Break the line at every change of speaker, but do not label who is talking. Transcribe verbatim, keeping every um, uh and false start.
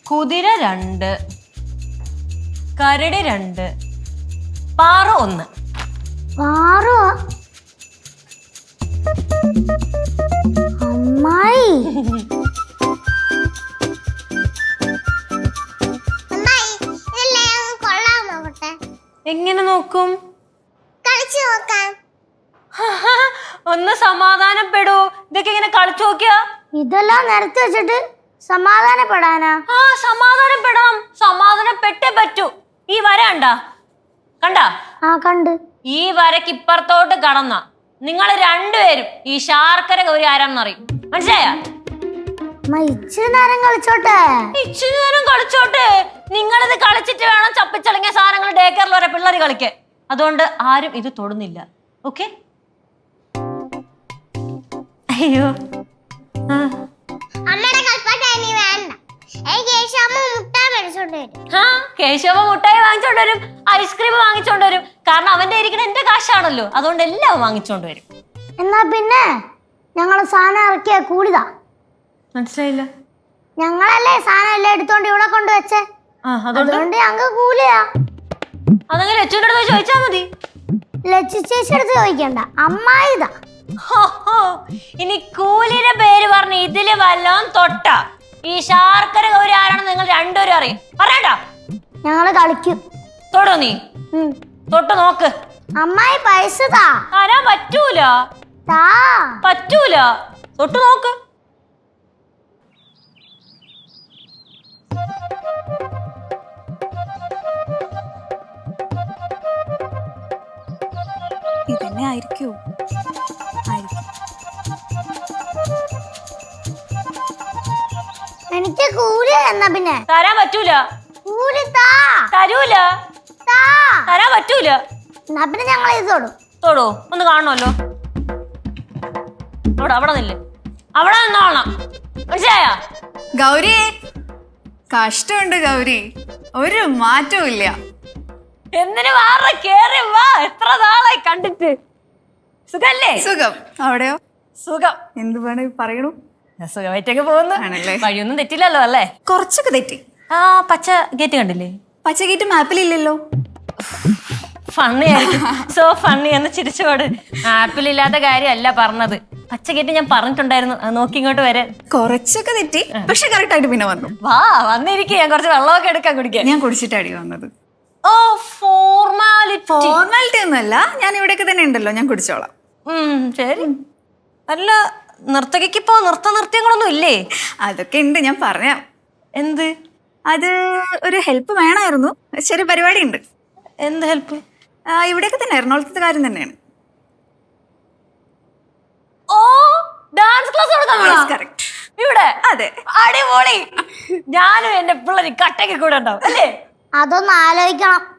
കുതിര രണ്ട്, കരടി രണ്ട്, പാറ ഒന്ന്.
പാറോ? അമ്മായി
എങ്ങനെ നോക്കും?
കളിച്ചു നോക്കാം.
ഒന്ന് സമാധാനപ്പെടൂ. ഇതൊക്കെ ഇങ്ങനെ കളിച്ചു നോക്കിയാ?
ഇതെല്ലാം നിരത്തി വെച്ചിട്ട് സമാധാനപ്പെടാനാ?
ആ സമാധാനപ്പെടാം. സമാധാനപ്പെട്ടേ പറ്റൂ. ഈ വര കണ്ടാ? കണ്ടാ?
ആ കണ്ട്.
ഈ വരക്ക് ഇപ്പുറത്തോട്ട് കടന്ന നിങ്ങൾ രണ്ടുപേരും ഈ ശാർക്കര ഗൗരി ആരാന്നറിയും. മനസ്സിലായ?
ഇച്ചിരി നേരം കളിച്ചോട്ടെ.
ഇച്ചിരി നേരം കളിച്ചോട്ടെ. നിങ്ങളിത് കളിച്ചിട്ട് വേണം ചപ്പിച്ചളങ്ങിയ സാധനങ്ങൾ ഡേ കെയറിൽ വരെ പിള്ളേർ കളിക്കാൻ. അതുകൊണ്ട് ആരും ഇത് തൊടുന്നില്ല. ഓക്കെ? അയ്യോ കേശവ മുട്ടായി വാങ്ങിച്ചോണ്ട് വരും, ഐസ്ക്രീം വാങ്ങിച്ചോണ്ട് വരും. കാരണം അവന്റെ ഇരിക്കുന്ന എന്റെ കാശാണല്ലോ, അതുകൊണ്ട് എല്ലാം വാങ്ങിച്ചോണ്ട് വരും.
എന്നാ പിന്നെ ഞങ്ങള് സാധനം ഇറക്കിയ കൂലിതാ.
മനസ്സിലായില്ല?
ഞങ്ങളല്ലേ സാധനം എല്ലാം എടുത്തോണ്ട് ഇവിടെ കൊണ്ടുവച്ചേ, അതുകൊണ്ട് ഞങ്ങക്ക് കൂലിയാ.
അതങ്ങനെ ലച്ചുവിന്റെ അടുത്ത് ചോദിച്ചാ മതി.
ലച്ചു ചേച്ചി അടുത്ത് ചോദിക്കണ്ട, അമ്മായിതാ.
ഇനി കൂലിയുടെ പേര് പറഞ്ഞ് ഇതില് വല്ലോം തൊട്ട ഈ ശാർക്കര ഗൗരി ആരാണെന്ന് നിങ്ങൾ രണ്ടുപേരും അറിയും. പറയട്ടാ?
ഞങ്ങള് കളിക്കും.
തൊടോ നീ? തൊട്ട് നോക്ക്.
അമ്മായി പൈസ താ.
തരാൻ പറ്റൂല.
താ.
പറ്റൂല. തൊട്ട് നോക്ക്.
ഇതന്നെ ആയിരിക്കോ?
എനിക്ക് കൂലി എന്നാ പിന്നെ
തരാൻ പറ്റൂല.
കൂലി താ.
തരൂല.
താ.
തരാൻ പറ്റൂല.
എന്നാ പിന്നെ ഞങ്ങൾ ഇത് തൊടും.
തൊടോ? ഒന്ന് കാണണമല്ലോ. അവിടെ അവിടെ നില്ലേ, അവിടെ നിന്നോളണം. മനസ്സിലായ?
ഗൗരി, കഷ്ടമുണ്ട് ഗൗരി, ഒരു മാറ്റവും ഇല്ല.
എന്തിനു വാറ കേറി വാ. എത്ര നാളായി കണ്ടിട്ട്. സുഖല്ലേ?
സുഖം. അവിടെയോ?
സുഖം.
എന്ത് വേണേ പറയണു.
സുഖമായിട്ടൊക്കെ പോകുന്നു. വഴിയൊന്നും തെറ്റില്ലല്ലോ അല്ലേ?
കുറച്ചൊക്കെ തെറ്റി.
ആ പച്ച ഗേറ്റ് കണ്ടില്ലേ?
പച്ച ഗേറ്റ് മാപ്പിലില്ലല്ലോ.
ഫണ്ണി ആയിരിക്കും. സോ ഫണ്ണി എന്ന് ചിരിച്ചോട്. ആപ്പിലില്ലാത്ത കാര്യമല്ല പറഞ്ഞത്. പച്ച ഗേറ്റ് ഞാൻ പറഞ്ഞിട്ടുണ്ടായിരുന്നു. നോക്കി ഇങ്ങോട്ട് വരാൻ.
കുറച്ചൊക്കെ തെറ്റി, പക്ഷെ കറക്റ്റ് ആയിട്ട് പിന്നെ വന്നു.
വാ വന്നിരിക്കും. ഞാൻ കുറച്ച് വെള്ളമൊക്കെ എടുക്കാൻ കുടിക്കാൻ.
ഞാൻ കുടിച്ചിട്ടാടി വന്നത്.
ഓ ഫോർമാലിറ്റി.
ഫോർമാലിറ്റി ഒന്നുമല്ല, ഞാൻ ഇവിടെയൊക്കെ തന്നെ ഉണ്ടല്ലോ, ഞാൻ കുടിച്ചോളാം.
ഉം ശരി. അല്ല നർത്തകിക്ക് ഇപ്പോ നൃത്ത നൃത്യങ്ങളൊന്നും ഇല്ലേ?
അതൊക്കെ ഉണ്ട്, ഞാൻ പറയാം.
എന്ത്?
അത് ഒരു ഹെൽപ്പ് വേണമായിരുന്നു. ചെറിയ പരിപാടി ഉണ്ട്.
എന്ത് ഹെൽപ്പ്?
ഇവിടെയൊക്കെ തന്നെ എറണാകുളത്തെ കാര്യം തന്നെയാണ്.
Oh dance class
correct.
ഇവിടെ?
അതെ.
അടിപൊളി. ഞാനും എന്റെ പിള്ളേര് കട്ടയ്ക്ക് കൂടെ ഉണ്ടാവും അല്ലേ?
അതൊന്ന് ആലോചിക്കണം.